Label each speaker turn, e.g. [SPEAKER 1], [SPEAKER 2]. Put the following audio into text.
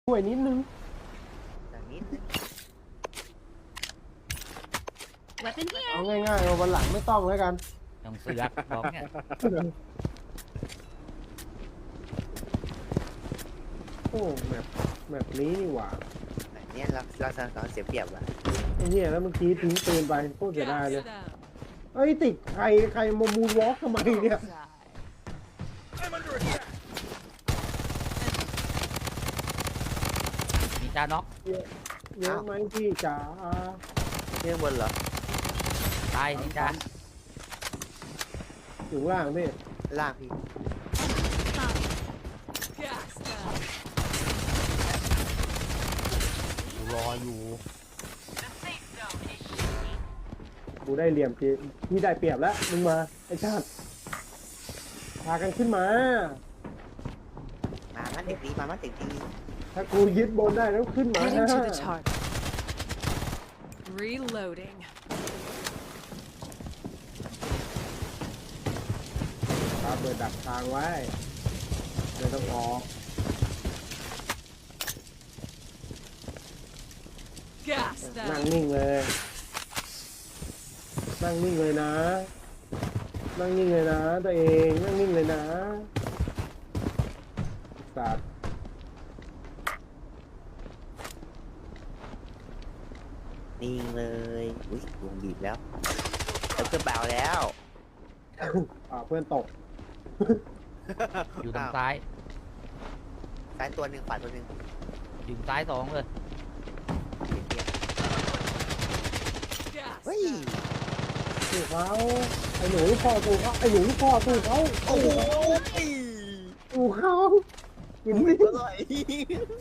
[SPEAKER 1] ช่วยนิดนึง
[SPEAKER 2] อย่างนี้นึง
[SPEAKER 3] Weapon here.
[SPEAKER 1] เอาง่ายๆเอาวันหลังไม่ต้องแล้วกัน
[SPEAKER 4] ต้องเสือกบอกเนี่ย
[SPEAKER 1] โอ้แบบนี้นี่หว่า
[SPEAKER 2] แบบเนี้ยเราเสียเปรียบว่ะ
[SPEAKER 1] ไอ้เนี่ยแล้วเมื่อกี้ทิ้งปืนไปโคตรเสียดายเลยเอ้ยติดใครมามูนวอล์กทำไมเนี่ย
[SPEAKER 4] มีจาน็อก
[SPEAKER 1] เยอะไหมพี่จ๋า
[SPEAKER 2] เรื่องบนเหรอ
[SPEAKER 4] ตายนินจา
[SPEAKER 1] อยู่ล่างพี่
[SPEAKER 2] ล่างพี่
[SPEAKER 4] รออยู่
[SPEAKER 1] กูได้เหลี่ยมพี่ได้เปรียบแล้วมึงมาไอ้ชาติพากันขึ้นมา
[SPEAKER 2] มามันถึงดีมามันถึงดี
[SPEAKER 1] ถ้ากูยึดบนได้แล้วขึ้นมา
[SPEAKER 3] Heading to the target. Reloading.
[SPEAKER 1] ครับเปิดดักทางไว้ไม่ต้องออก
[SPEAKER 3] Gas
[SPEAKER 1] นั่ง
[SPEAKER 3] them.
[SPEAKER 1] นิ่งเลย นั่งนิ่งเลยนะ นั่งนิ่งเลยนะตัวเองนั่งนิ่งเลยนะสัตว์
[SPEAKER 2] นิ่งเลยอุ้ยวงบีบแล้วแล้วก็เบาแล้ว
[SPEAKER 1] เพื่อนตก
[SPEAKER 4] อยู่ทางซ้าย
[SPEAKER 2] ซ้ายตัวหนึ่งขวาตัวหนึ่ง
[SPEAKER 4] อยู่ซ้ายสองเลย
[SPEAKER 2] เฮ้ย
[SPEAKER 1] สู้เขาไอ้หนูลูกพ่อสู้เขาไอ้หนูลูกพ่อสู้เขา
[SPEAKER 2] โอ้โห
[SPEAKER 1] สู้เขากิน
[SPEAKER 2] อ
[SPEAKER 1] นี่
[SPEAKER 2] ร่อย